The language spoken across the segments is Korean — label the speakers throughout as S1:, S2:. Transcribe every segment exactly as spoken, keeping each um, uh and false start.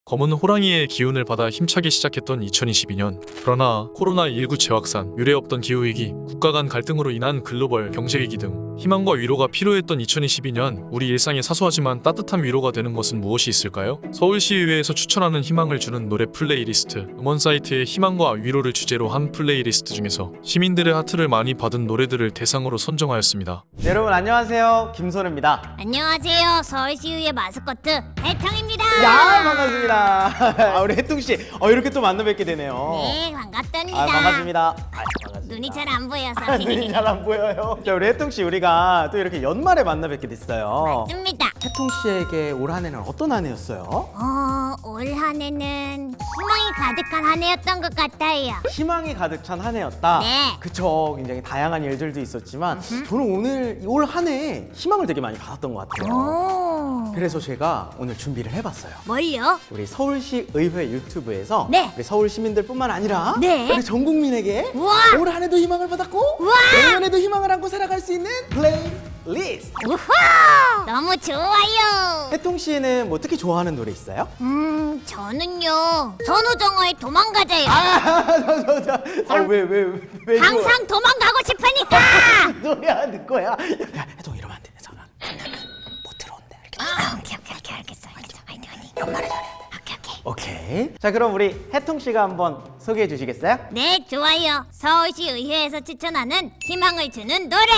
S1: 검은 호랑이의 기운을 받아 힘차게 시작했던 이천이십이 년. 그러나 코로나 십구 재확산, 유례없던 기후위기, 국가 간 갈등으로 인한 글로벌 경제위기 등 희망과 위로가 필요했던 이천이십이 년, 우리 일상에 사소하지만 따뜻한 위로가 되는 것은 무엇이 있을까요? 서울시의회에서 추천하는 희망을 주는 노래 플레이리스트, 음원 사이트의 희망과 위로를 주제로 한 플레이리스트 중에서 시민들의 하트를 많이 받은 노래들을 대상으로 선정하였습니다.
S2: 네, 여러분 안녕하세요, 김선우입니다.
S3: 안녕하세요. 서울시의회 마스코트 해탕입니다.
S2: 야, 반갑습니다. 아, 우리 혜뚱씨 어, 이렇게 또 만나 뵙게 되네요.
S3: 네, 반갑답니다.
S2: 아, 반갑습니다. 아, 반갑습니다.
S3: 눈이 잘 안 보여서.
S2: 눈이 잘 안 보여요. 자, 우리 혜뚱씨 우리가 또 이렇게 연말에 만나 뵙게 됐어요.
S3: 맞습니다.
S2: 혜뚱씨에게 올 한 해는 어떤 한 해였어요?
S3: 어, 올 한 해는 희망이 가득한 한 해였던 것 같아요.
S2: 희망이 가득 찬 한 해였다.
S3: 네.
S2: 그쵸, 굉장히 다양한 일들도 있었지만 저는 오늘 올 한 해에 희망을 되게 많이 받았던 것 같아요.
S3: 오,
S2: 그래서 제가 오늘 준비를 해봤어요.
S3: 뭘요?
S2: 우리 서울시 의회 유튜브에서
S3: 네.
S2: 우리 서울 시민들뿐만 아니라
S3: 네.
S2: 우리 전 국민에게
S3: 우와.
S2: 올 한 해도 희망을 받았고
S3: 우와.
S2: 내년에도 희망을 안고 살아갈 수 있는 플레이리스트.
S3: 우와! 너무 좋아요.
S2: 혜통 씨는 뭐 특히 좋아하는 노래 있어요?
S3: 음, 저는요. 선우정아의 도망가자요.
S2: 아저저저 아왜왜왜 왜,
S3: 항상 도망가고 싶으니까.
S2: 노래 하는 거야? 야 혜통 이러면 안 돼. 전화 못 들어온대. 이렇게.
S3: 아, 오케이, 오케이, 오케이, 알겠어, 알겠어. 화이팅, 화이팅. 연말에 잘해야 돼. 오케이, 오케이.
S2: 오케이. 자 그럼 우리 혜통 씨가 한번 소개해 주시겠어요?
S3: 네, 좋아요. 서울시 의회에서 추천하는 희망을 주는 노래.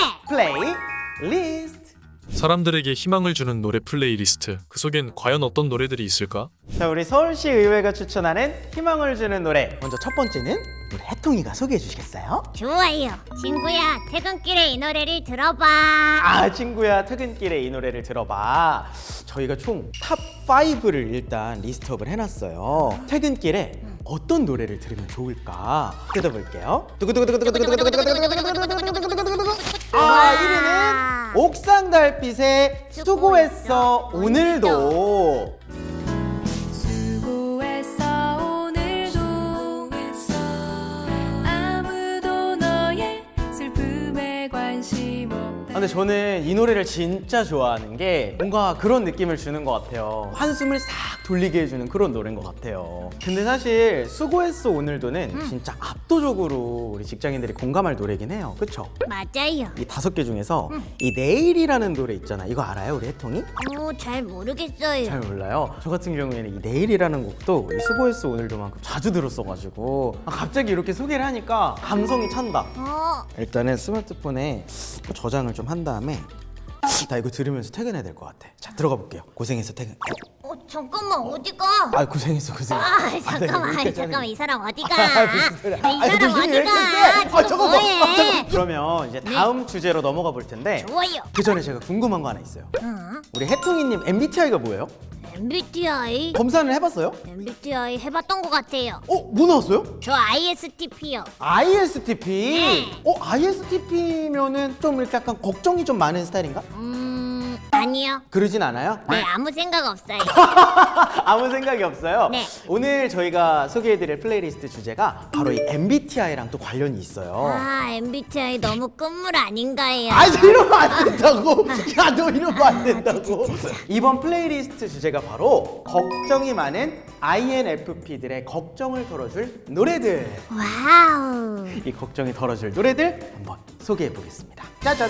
S2: 플레이리스트.
S1: 사람들에게 희망을 주는 노래 플레이리스트, 그 속엔 과연 어떤 노래들이 있을까?
S2: 자 우리 서울시 의회가 추천하는 희망을 주는 노래. 먼저 첫 번째는 우리 혜통이가 소개해 주시겠어요?
S3: 좋아요. 친구야, 퇴근길에 이 노래를 들어봐.
S2: 아 친구야 퇴근길에 이 노래를 들어봐. 저희가 총 탑 파이브를 일단 리스트업을 해놨어요. 퇴근길에 어떤 노래를 들으면 좋을까 뜯어볼게요. 아 일 위는 옥상 달빛의 수고했어 오늘도.
S4: 수고했어 오늘도 아무도 너의 슬픔에 관심 없다.
S2: 아, 근데 저는 이 노래를 진짜 좋아하는 게 뭔가 그런 느낌을 주는 것 같아요. 한숨을 싹 돌리게 해주는 그런 노래인 것 같아요. 근데 사실 수고했어 오늘도는 진짜 압도적으로 우리 직장인들이 공감할 노래긴 해요. 그쵸?
S3: 맞아요.
S2: 이 다섯 개 중에서 이 내일이라는 노래 있잖아. 이거 알아요 우리 혜통이?
S3: 오, 잘 모르겠어요.
S2: 잘 몰라요. 저 같은 경우에는 이 내일이라는 곡도 이 수고했어 오늘도만큼 자주 들었어가지고 아, 갑자기 이렇게 소개를 하니까 감성이 찬다.
S3: 어,
S2: 일단은 스마트폰에 저장을 좀 한 다음에 나 이거 들으면서 퇴근해야 될 것 같아. 자 들어가 볼게요. 고생해서 퇴근.
S3: 어, 잠깐만, 어디가?
S2: 아 고생했어 고생했어.
S3: 아,
S2: 나
S3: 잠깐만,
S2: 이거
S3: 아이,
S2: 이렇게
S3: 잠깐만, 이 사람 어디가?
S2: 아, 무슨 소리야.
S3: 이
S2: 아니,
S3: 사람
S2: 무슨 일이
S3: 어디가?
S2: 있었대? 아
S3: 지금
S2: 잠깐만.
S3: 뭐해?
S2: 아, 잠깐만. 그러면 이제 다음 주제로 넘어가 볼 텐데
S3: 좋아요.
S2: 그 전에 제가 궁금한 거 하나 있어요.
S3: 응?
S2: 우리 혜통이님 엠비티아이가 뭐예요?
S3: 엠비티아이?
S2: 검사를 해봤어요?
S3: 엠비티아이 해봤던 것 같아요.
S2: 어? 뭐 나왔어요?
S3: 저 아이에스티피요.
S2: 아이에스티피.
S3: 네.
S2: 어 아이에스티피면은 좀 이렇게 약간 걱정이 좀 많은 스타일인가?
S3: 음, 아니요.
S2: 그러진 않아요?
S3: 네, 아무 생각 없어요.
S2: 아무 생각이 없어요.
S3: 네.
S2: 오늘 저희가 소개해드릴 플레이리스트 주제가 바로 이 엠비티아이랑 또 관련이 있어요.
S3: 아, 엠비티아이 너무 끝물 아닌가요?
S2: 아, 이러면 안 된다고. 야, 너 이러면 안 된다고. 이번 플레이리스트 주제가 바로 걱정이 많은 아이엔에프피들의 걱정을 덜어줄 노래들.
S3: 와우.
S2: 이 걱정이 덜어줄 노래들 한번 소개해 보겠습니다. 짜잔.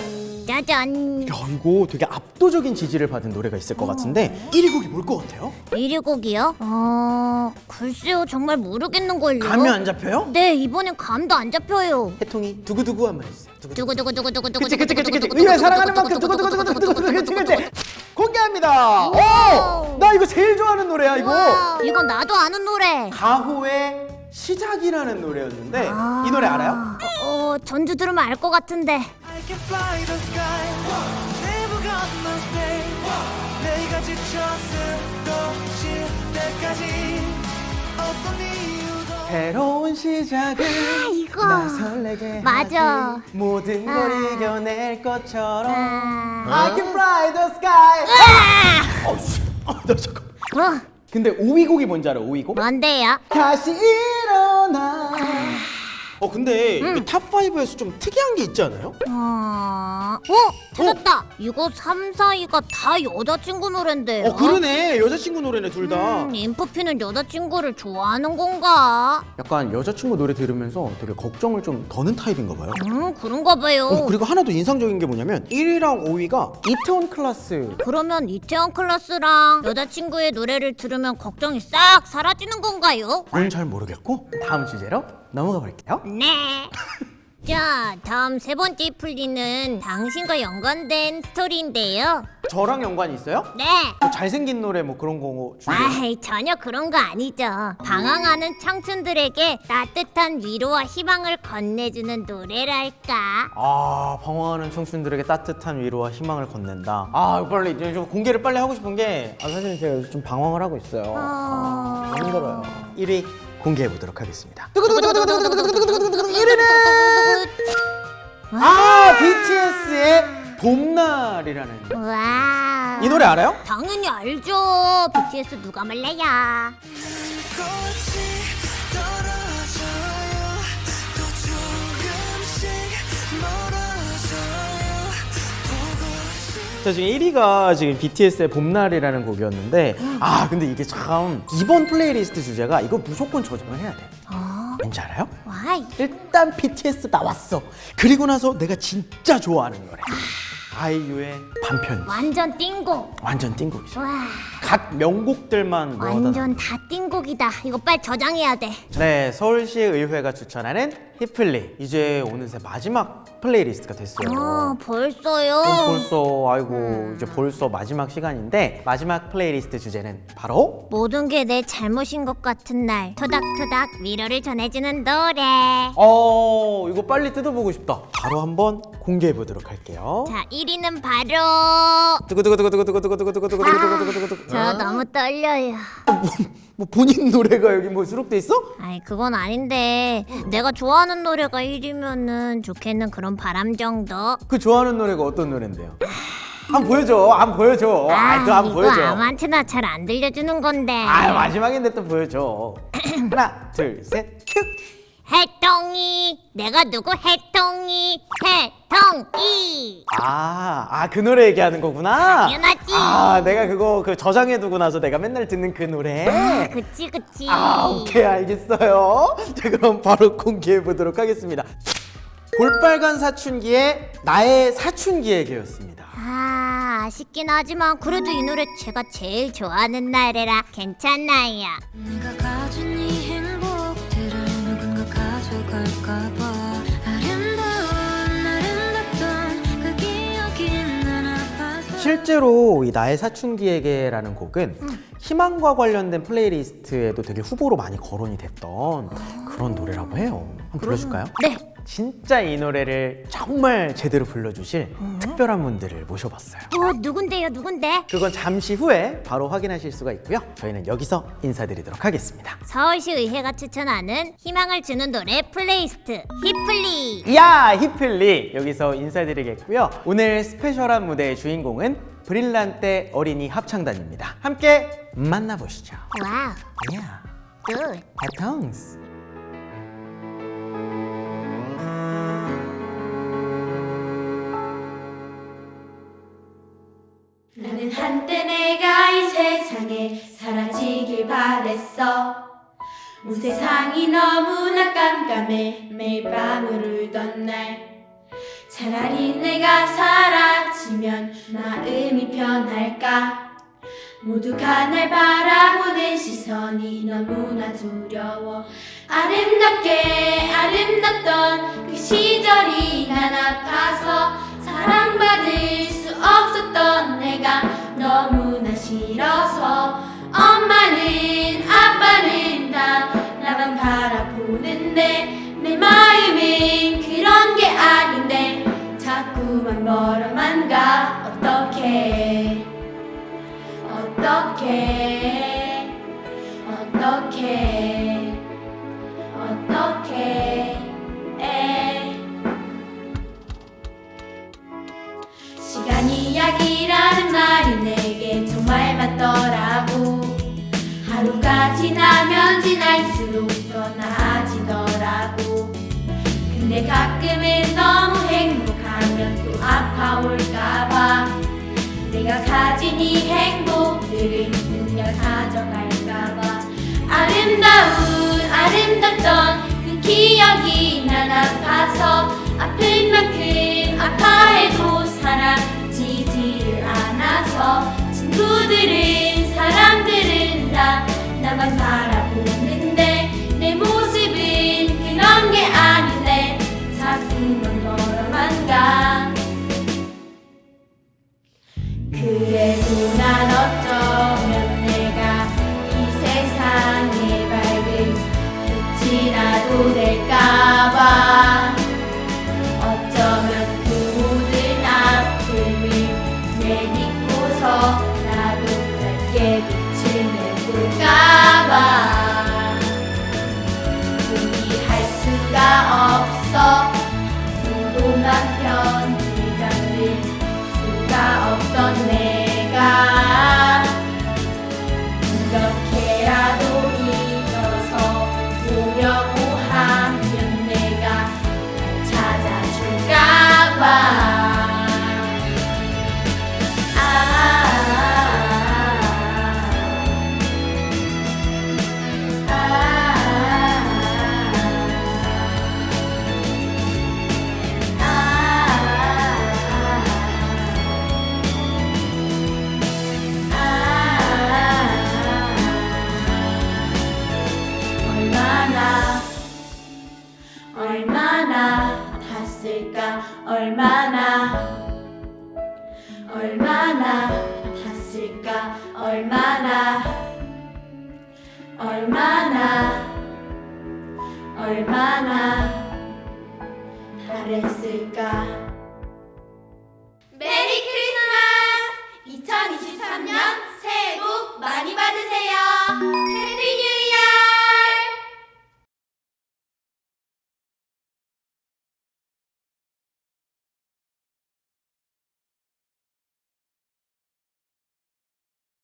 S3: 짜잔.
S2: 야, 이거 되게 압도적인 지지를 받은 노래가 있을 것 같은데 일 위 곡이 뭘 것 같아요?
S3: 일 위 곡이요? 어... 글쎄요, 정말 모르겠는걸요.
S2: 감이 안 잡혀요?
S3: 네, 이번엔 감도 안 잡혀요.
S2: 해통이 두구두구 한번 해주세요. 두구두구.
S3: 두구두구두구두구두구.
S2: 그치 그치 그치 그치. 의회 사랑하는 만큼 두구두구두구두구두구. 그치 그치. 공개합니다. 오, 나 이거 제일 좋아하는 노래야 이거.
S3: 와, 이건 나도 아는 노래.
S2: 가후의 시작이라는 노래였는데
S3: 아.
S2: 이 노래 알아요?
S3: 어, 전주 들으면 알 것 같은데.
S4: I can fly the sky Never gonna stay 내가 지쳤어도 쉴 때까지 어떤 이유도
S2: 새로운 시작을
S3: 이거.
S2: 날 설레게
S3: 맞아.
S2: 하지 모든 걸
S3: 아.
S2: 이겨낼 것처럼
S3: 아.
S2: I can fly the sky.
S3: 아!
S2: 어, 씨. 어, 나 잠깐.
S3: 어,
S2: 근데 오 위 곡이 뭔지 알아? 오 위 곡?
S3: 뭔데요?
S2: 다시 일어나 어 근데 이 탑오에서 좀 특이한 게 있지 않아요?
S3: 어... 어? 찾았다! 이거 삼, 사 위가 다 여자친구 노랜데요?
S2: 어 그러네. 여자친구 노래네 둘 다.
S3: 음, 인프피는 여자친구를 좋아하는 건가?
S2: 약간 여자친구 노래 들으면서 되게 걱정을 좀 더는 타입인가 봐요.
S3: 음, 그런가 봐요.
S2: 어, 그리고 하나 더 인상적인 게 뭐냐면 일 위랑 오 위가 이태원 클라스.
S3: 그러면 이태원 클라스랑 여자친구의 노래를 들으면 걱정이 싹 사라지는 건가요?
S2: 그건 잘 모르겠고 다음 주제로 넘어가 볼게요.
S3: 네. 자, 다음 세 번째 풀리는 당신과 연관된 스토리인데요.
S2: 저랑 연관이 있어요?
S3: 네.
S2: 뭐 잘생긴 노래 뭐 그런 거 주제.
S3: 아이, 전혀 그런 거 아니죠. 방황하는 청춘들에게 따뜻한 위로와 희망을 건네주는 노래랄까.
S2: 아 방황하는 청춘들에게 따뜻한 위로와 희망을 건넨다. 아 빨리 이제 좀 공개를 빨리 하고 싶은 게 아, 사실 제가 요즘 좀 방황을 하고 있어요.
S3: 어...
S2: 아, 힘들어요. 일 위 공개해 보도록 하겠습니다.
S3: 일 위는
S2: 아 비티에스의 봄날이라는
S3: 와.
S2: 이 노래 알아요?
S3: 당연히 알죠. 비티에스 누가 말래야.
S4: 꽃이 떨어져요 또 조금씩 멀어져요 보고
S2: 자 지금 일 위가 지금 비티에스의 봄날이라는 곡이었는데 아 근데 이게 참 이번 플레이리스트 주제가 이거 무조건 저장을 해야 돼.
S3: 어?
S2: 왠지 알아요?
S3: 와이.
S2: 일단 비티에스 나왔어. 그리고 나서 내가 진짜 좋아하는 노래 아이유의 반편.
S3: 완전 띵곡.
S2: 완전 띵곡이죠.
S3: 와.
S2: 각 명곡들만 모아다.
S3: 완전 다 띵곡이다. 이거 빨리 저장해야 돼.
S2: 네, 서울시 의회가 추천하는 히플리 이제 어느새 마지막 플레이리스트가 됐어요.
S3: 어, 벌써요?
S2: 그럼 벌써 아이고 이제 벌써 마지막 시간인데 마지막 플레이리스트 주제는 바로
S3: 모든 게 내 잘못인 것 같은 날 토닥토닥 위로를 전해주는 노래.
S2: 어 이거 빨리 뜯어보고 싶다. 바로 한번 공개해 보도록 할게요.
S3: 자, 일 위는 바로
S2: 두구두구두구두구두구두구두구두구두구두구두구.
S3: 저 너무 떨려요.
S2: 뭐 본인 노래가 여기 뭐 수록돼 있어?
S3: 아이, 그건 아닌데 내가 좋아하는 노래가 일 위면은 좋겠는 그런 바람 정도.
S2: 그 좋아하는 노래가 어떤 노래인데요? 한번 보여줘. 한번 보여줘. 아, 또 한번
S3: 이거
S2: 보여줘.
S3: 아무한테나 잘 안 들려주는 건데.
S2: 아, 마지막인데 또 보여줘. 하나, 둘, 셋, 큐.
S3: 해똥이 내가 누구 해똥이 해똥이.
S2: 아, 아, 그 노래 얘기하는 거구나.
S3: 당연하지.
S2: 아, 내가 그거 그 저장해두고 나서 내가 맨날 듣는 그 노래.
S3: 아, 그치 그치.
S2: 아, 오케이, 알겠어요. 자, 그럼 바로 공개해 보도록 하겠습니다. 볼빨간 사춘기의 나의 사춘기에게였습니다.
S3: 아, 아쉽긴 하지만 그래도 이 노래 제가 제일 좋아하는 노래라 괜찮아요.
S5: 내가 가진 이 행복들을 누군가 가져갈까봐 아름다운 아름답던 그 기억이 난 아파서
S2: 실제로 이 나의 사춘기에게라는 곡은 희망과 관련된 플레이리스트에도 되게 후보로 많이 거론이 됐던 그런 노래라고 해요. 한번 불러줄까요?
S3: 네.
S2: 진짜 이 노래를 정말 제대로 불러주실 특별한 분들을 모셔봤어요.
S3: 어, 누군데요 누군데?
S2: 그건 잠시 후에 바로 확인하실 수가 있고요. 저희는 여기서 인사드리도록 하겠습니다.
S3: 서울시 의회가 추천하는 희망을 주는 노래 플레이리스트 히플리.
S2: 야 히플리 여기서 인사드리겠고요. 오늘 스페셜한 무대의 주인공은 브릴란테 어린이 합창단입니다. 함께 만나보시죠.
S3: 와우.
S2: 야
S3: 굿.
S2: 해통스.
S6: 나는 한때 내가 이 세상에 사라지길 바랬어. 온 세상이 너무나 깜깜해 매일 밤을 울던 날. 차라리 내가 사라지면 마음이 편할까. 모두가 날 바라보는 시선이 너무나 두려워. 아름답게 아름답던 그 시절이 난 아파서 사랑받을 수 없었던 내가 너무나 싫어서. 엄마는 아빠는 다 나만 바라보는데 내 마음은 그런 게 아닌데 자꾸만 멀어만 가. 어떡해 어떡해 어떡해 어떡해 에. 시간이 약이라는 말이 내게 정말 맞더라고. 하루가 지나면 지날수록 더 나아지더라고. 근데 가끔은 너무 행복하면 또 아파올까봐 내가 가진 이 행복들을 누가 가져갈까봐 아름다운 아름답던 그 기억이 난 아파서 아픈 만큼 아파해도 사라지지를 않아서 친구들은 사람들은 다 나만 바라보는데 내 모습은 그런 게 아닌데 자꾸만 멀어만 가 그래도 난 어쩌면 내가 이 세상에 밝은 빛이라도 될까봐 어쩌면 그 모든 아픔을 내딛고서 나도 밝게 빛을 내볼까봐 포기할 수가 없어 무도만 편히 잠들 수가 없던 내가 이렇게라도 일어서 보려고 하면 내가 찾아줄까봐 아, 아, 얼마나 얼마나 아팠을까 얼마나 얼마나 아팠을까 얼마나 얼마나 얼마나 바랬을까